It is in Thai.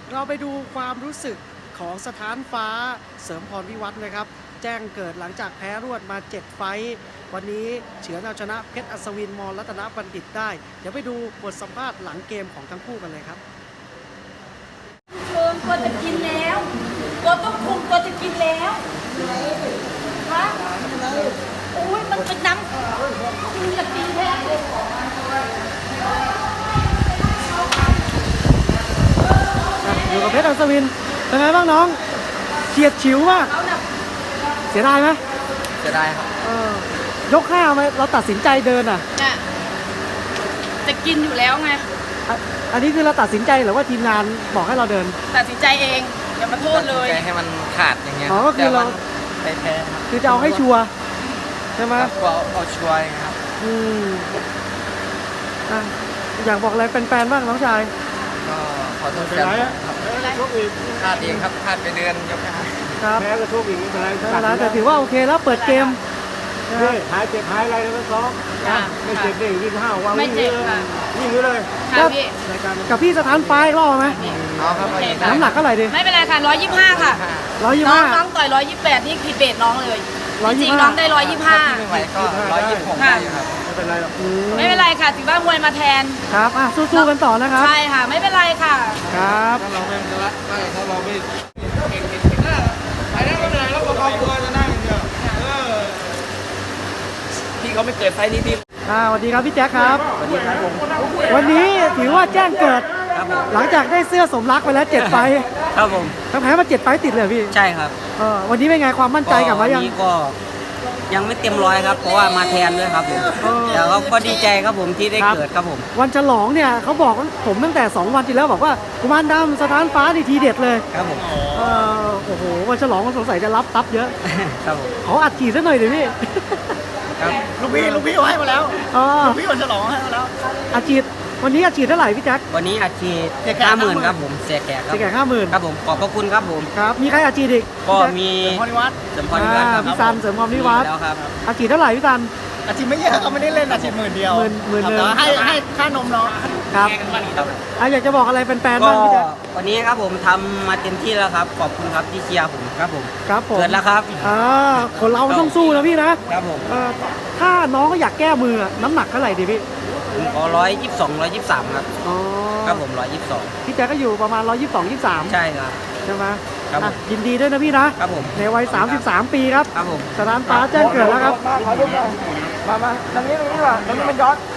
เราไปดูความรู้สึกของสถานฟ้าเสริมพรวิวัฒน์นะครับแจ้งเกิดหลังจากแพ้รวดมา 7 ไฟต์วันนี้เฉือนเอาชนะเพชรอัศวินมรัตนบัณฑิตได้ เดี๋ยวไปดูบทสัมภาษณ์หลังเกมของทั้งคู่กันเลยครับเชิญตัวจะกินแล้วตัวต้องคุมตัวจะกินแล้วฮะโอ้ยมันเป็นน้ำคุณจะกินแท้เลยอยู่กับเพชรอัศวินเป็นไงบ้างน้องเฉียดฉิวมากเขาน่ะเสียดายไหมจะได้ครับยกห้าไหมเราตัดสินใจเดินอ่ะน่ะจะกินอยู่แล้วไงอันนี้คือเราตัดสินใจหรือว่าทีมงานบอกให้เราเดินตัดสินใจเองอย่ามาโทษเลยใจให้มันขาดอย่างเงี้ยอ๋อก็คือเราแต่มันแพ้ครับคือจะเอาให้ชัวร์ใช่ไหมกลัวเอาชัวร์อย่างเงี้ยครับอืมอ่ะอยากบอกอะไรแฟนๆบ้างน้องชายก็ขอโทษแฟนครับพลาดเองครับพลาดไปเดือนยกห้าครับแพ้ก็โชคอีกไม่เป็นไรไม่เป็นไรแต่ถือว่าโอเคแล้วเปิดเกมนะคนี่รับหายเจ็บหายอะไรแล้วก็ซ้อมค่ะไม่เจ็บได้วิ่งห้าววางไม่เจ็บค่ะวิ่งเลยค่ะพี่รายการมันกับพี่สถานไฟล์รอบไหมเอาครับเอาอีกได้น้ำหนักเท่าไหร่ดิไม่เป็นไรค่ะ125ค่ะ น้อง 125 น้องต่อย128นี่คือเบสน้องเลย 125 จริงๆน้องได้ถ้าพี่ไม่ไหวก็126ได้อยู่ครับไม่เป็นไรหรอก 125ไม่เป็นไรค่ะถือว่ามวยมาแทนครับอ่ะสู้ๆกันต่อนะครับใช่ค่ะ ไม่เป็นไรค่ะครับถ้าเราไม่ละถ้าเราไม่ไปได้ไม่เป็นไรแล้วก็เอาตัวจะนั่งอย่างเดียวพี่เขาไม่เกิดไฟนี้พี่สวัสดีครับพี่แจ็คครับสวัสดีครับผมวันนี้ถือว่าแจ้งเกิดครับผมหลังจากได้เสื้อสมรักไปแล้ว7 ไฟล์ครับผมทั้งแพ้มา7 ไฟล์ติดเลยพี่ใช่ครับวันนี้เป็นไงความมั่นใจกลับมายังวันนี้ก็ยังไม่เต็มร้อยครับ เพราะว่ามาแทนด้วยครับผมเออแต่ก็ดีใจครับผมที่ได้ครับเกิดครับผมวันฉลองเนี่ยเขาบอกผมตั้งแต่ 2 วันที่แล้วบอกว่ากุมารดำสถานฟ้านี่ทีเด็ดเลยครับผมโอ้โหวันฉลองมันสงสัยจะรับทับเยอะครับผมขออัดฉีดซะหน่อยดิพี่ครับลูกพี่เอาให้มาแล้วอ๋อลูกพี่วันฉลองให้มาแล้วอัดฉีดวันนี้อัดฉีดเท่าไหร่พี่แจ็ควันนี้อาชีพเสียแขก 50,000ครับผมเสียแขกครับจะแก่50,000 ครับผมขอบพระคุณครับผมครับมีใครอัดฉีดอีกก็มีพรนิวัฒน์เสริมพรนิวัฒน์ครับพี่ซันเสริมความนิวัฒน์แล้วครับอัดฉีดเท่าไหร่พี่ซันอาชีพไม่เยอะเขาไม่ได้เล่นอาชีพหมื่นเดียวหมื่นครับหนึ่งแต่ว่าให้ค่านมน้องครับครับอยากจะบอกอะไรแฟนๆก็บ้างพี่แจ็ควันนี้ครับผมทำมาเต็มที่แล้วครับ ขอบคุณครับที่เชียร์ผมครับผมครับผมเกิดแล้วครับคนเรามันต้องสู้นะพี่นะครับผมถ้าน้องก็อยากแก้มือน้ำหนักเท่าไหร่ดีพี่ผมขอ122 123ครับอ๋อครับผม122 พี่แจ็คก็อยู่ประมาณ 122 23 ใช่ครับใช่ไหมครับผมยินดีด้วยนะพี่นะครับผมในวัย 33 ปีครับครับผมสถานฟ้าแจ้งเกิดแล้วครับมาตรงนี้ดีกว่าตรงนี้มันย้อน